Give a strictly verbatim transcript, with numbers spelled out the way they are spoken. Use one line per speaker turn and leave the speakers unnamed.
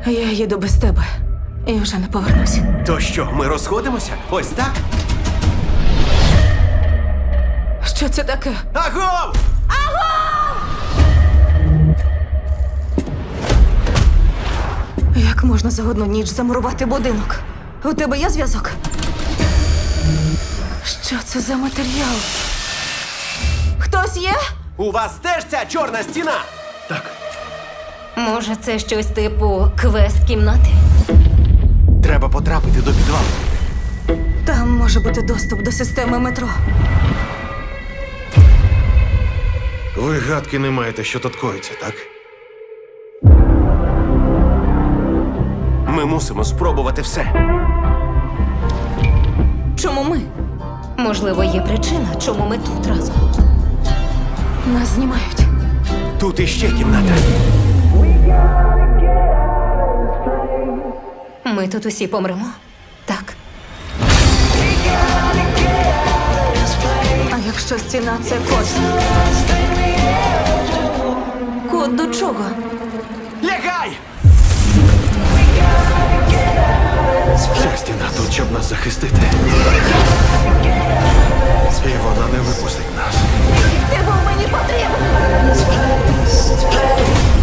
Я їду без тебе і вже не повернусь.
То що, ми розходимося? Ось так?
Що це таке?
Агов!
Як можна за одну ніч замурувати будинок? У тебе є зв'язок? Що це за матеріал? Хтось є?
У вас теж ця чорна стіна?
Так,
Може, це щось типу квест-кімнати?
Треба потрапити до підвалу.
Там може бути доступ до системи метро.
ви гадки не маєте, що тут коїться, так?
Ми мусимо спробувати все.
Чому ми?
Можливо, є причина, чому ми тут разом.
Нас знімають.
Тут іще кімната.
Ми тут усі помремо? Так.
А якщо стіна це код? Код до чого?
Лягай!
Ця стіна тут, щоб нас захистити. І вона не випустить нас.
Ти був мені потрібен!